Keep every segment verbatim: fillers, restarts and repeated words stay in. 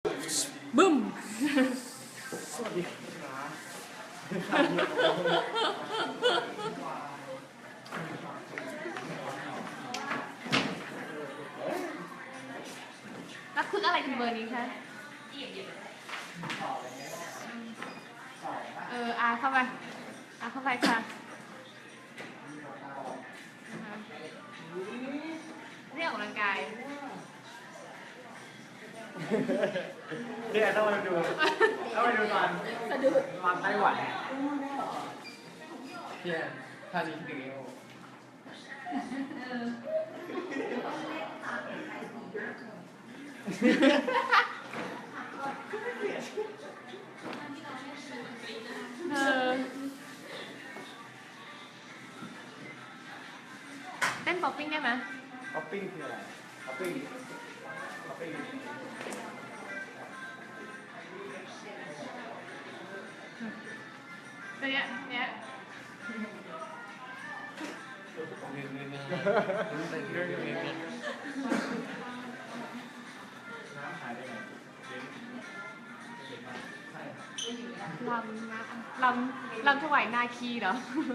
บึ้มสวัสดีแล้วคืออะไรถึงเบอร์นี้คะเอออาเข้าไปอาเข้าไปค่ะเรียกออกกำลังกายเนี่ยต้องมาดูต้องมาดูตอนสะดุดตอนไต้หวันเนี่ยท่านี้ถึงเอวเออเต้นป๊อปปิ้งได้ไหมป๊อปปิ้งคืออะไรป๊อปปิ้งป๊อปปิ้งเนี้ยเนี้ยลำนะลำลำถวายนาคีเหรอ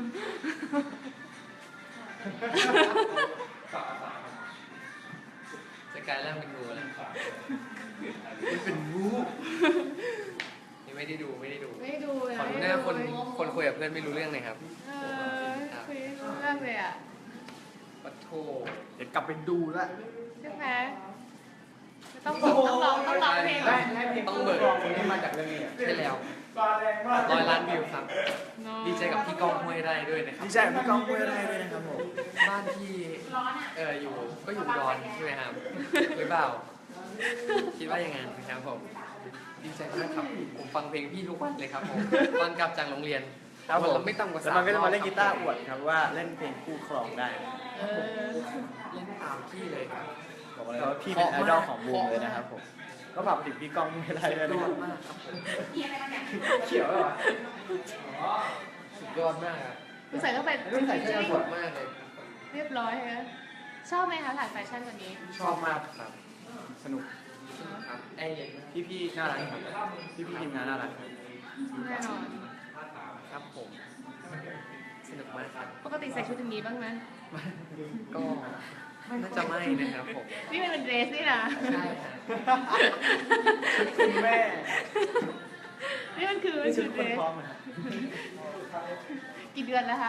จะกลายร่างเป็นงูแล้วเป็นงูนี่ไม่ได้ดูไม่ได้ดูไม่ดูเลยขอดูหน้าคนคนคุยกับเพื่อนไม่รู้เรื่องเลยครับเออคุยรู้เรื่องเลยอ่ะปัทโทเดี๋ยวกลับไปดูละใช่ไหมต้องต้องร้องต้องร้องเพลงได้ได้เพลงต้องเบิกเพลงนี้มาจากเรื่องนี้ใช่แล้วร้อยล้านวิวครับ ดีใจกับพี่ก้องห้วยไร่ด้วยนะครับดีใจกับพี่ก้องห้วยไร่ด้วยนะครับผมบ้านที่เอออยู่ก็อยู่อุดอนใช่ไหมครับหรือเปล่าคิดว่ายังไงนะครับผมดีใจมากครับผมฟังเพลงพี่ทุกวันเลยครับผมตอนกลับจากโรงเรียนครับผมนไม่ต่ำกว่าแล้วสามมันก็จะมาเล่นรอบกีตาร์อวดครับว่าเล่นเพลงคู่ครองได้เออเล่นตามพี่เลยครับบอกเลยว่าพี่เป็นไอดอลของวงเลยนะครับผมก็ฝากไปถึงพี่ก้องห้วยไร่ด้วยสุนะดคยรัอบ ดมากครับผมเขียวเหรอสุดยอดมากครับคุณใส่เข้าไปไม่ใส่เสื้อสดมากเลยเรียบร้อยฮะชอบไหมคะถ่ายแฟชั่นวันนี้ชอบมากครับสนุกครับแอร์เย็นมากพี่พี่ๆน่ารักครับพี่พี่ๆทีมงานน่ารักครับแน่นอนครับผมสนุกมากครับปกติใส่ชุดอย่างนี้บ้างไหมก็น่าจะไม่นะครับผมนี่มันเป็นเดรสนี่นะใช่ครับคุณแม่นี่มันคือนี่ชุชุดดเดครนสพร้อมนะกี่เดือนแล้วคะ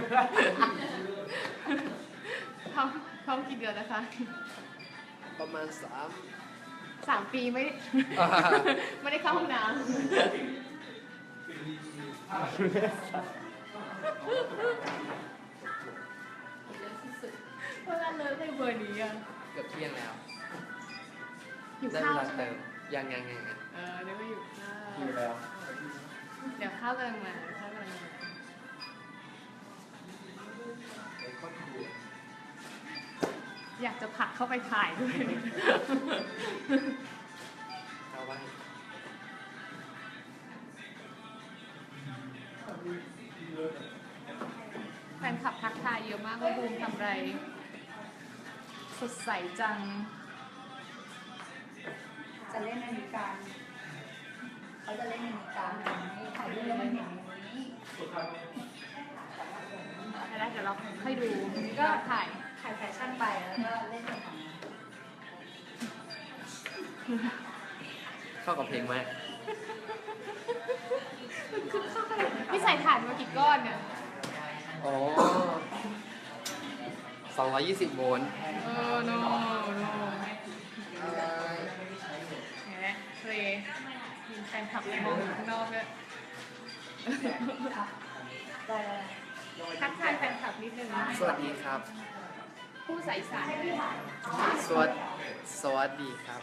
ท้องท้องกี่เดือนแล้วคะประมาณสามสามปีไม่ได้ไม่ได้เข้าห้องน้ำเวลาเลิกในเบอร์นี้อ่ะเกือบเที่ยงแล้วอยู่ได้ข้าเววลาใช่ไหมเติมยังยังยังยังเออเดี๋ยวก็อยู่ข้าวอยู่แล้วเดี๋ยวข้าวกำลังมาข้าวกำลังมาอยากจะผลักเข้าไปถ่ายด้วยเอาไว้แฟนคลับทักทายเยอะมากว่าบูมทำอะไรสดใสจังจะเล่นนาฬิกาเขาจะเล่นนาฬิกาให้ถ่ายรูปแล้วมันเห็นอย่างนี้แล้วเดี๋ยวเราค่อยดูก็ก็ถ่ายถ่ายแฟชั่นไปแล้วก็เล่นในของเข้ากับเพลงมากคือเข้าไปพี่ใส่ถ่านมากี่ก้อนเนี่ยอ๋อสองร้อยยี่สิบโวลต์เออโนโนเห็นไหมเคยมีแฟนคลับมองอยู่ข้างนอกด้วยแต่ทักทายแฟนคลับนิดนึงสวัสดีครับผู้ใส่สารเลยสวัสดีสวัสดีครับ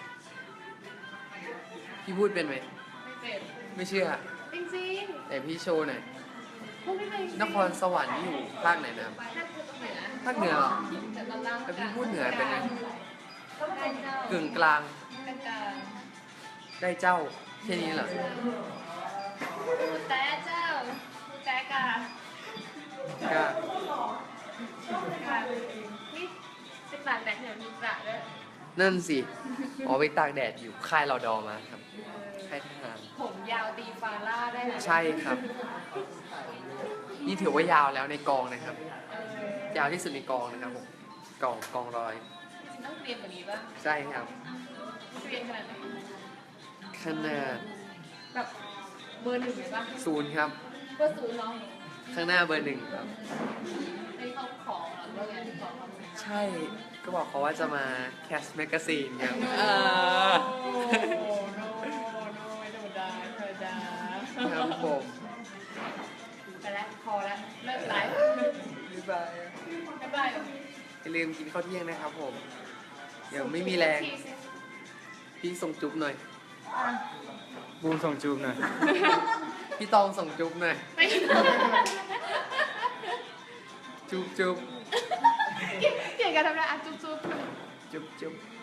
พี่พูดเป็นไหมไม่เป็นไม่เชื่อจริงแต่พี่โชว์หน่อยๆพูดไม่เป็นจริงๆนครสวรรค์นี่อยู่ภาคไหนนะครับภาคเหนือภาคเหนือเหรอแต่ตอนล่างแต่พี่พูดเหนือเป็นไงได้เจ้ากึ่งกลางได้กลางได้เจ้าแค่นี้เหรอพูดแต่เจ้าพูดแต่กาก็กานี่สิบบาทแบทเนี่ยมีกระด้วยนั่นสิอ๋อไปตากแดดอยู่ค่ายรอดอมาครับค่ายทหารผมยาวตีฟาร่าได้นะใช่ครับ นี่ถือว่ายาวแล้วในกองนะครับ ยาวที่สุดในกองนะครับผมกองกองร้อยต้องเตรียมกว่านี้ป่ะใช่ครับเตรียมขนาดไหนขนาดแบบเบอร์หนึ่งเลยป่ะศูนย์ครับเบอร์ศูนย์เนาะข้างหน้าเบอร์หนึ่งครับไอ้เขาของเหรอว่าไงของเขาใช่ ก็บอกเขาว่าจะมาแคสแมกกาซีนครับโอ้โหโนโนไม่ธรรมดาธรรมดาครับผมไปแล้วพอแล้วเลิกไลฟ์บ๊ายบายบ๊ายบายอย่าลืมกินข้าวเที่ยงนะครับผม เดี๋ยวไม่มีแรง พี่ส่งจุ๊บหน่อยบูมส่งจูบหน่อยพี่ตองส่งจุ๊บหน่อยไม่จุ๊บจุ๊บเก่งเก่งกันทำได้อ่ะจุ๊บจุ๊บจุ๊บจุ๊บ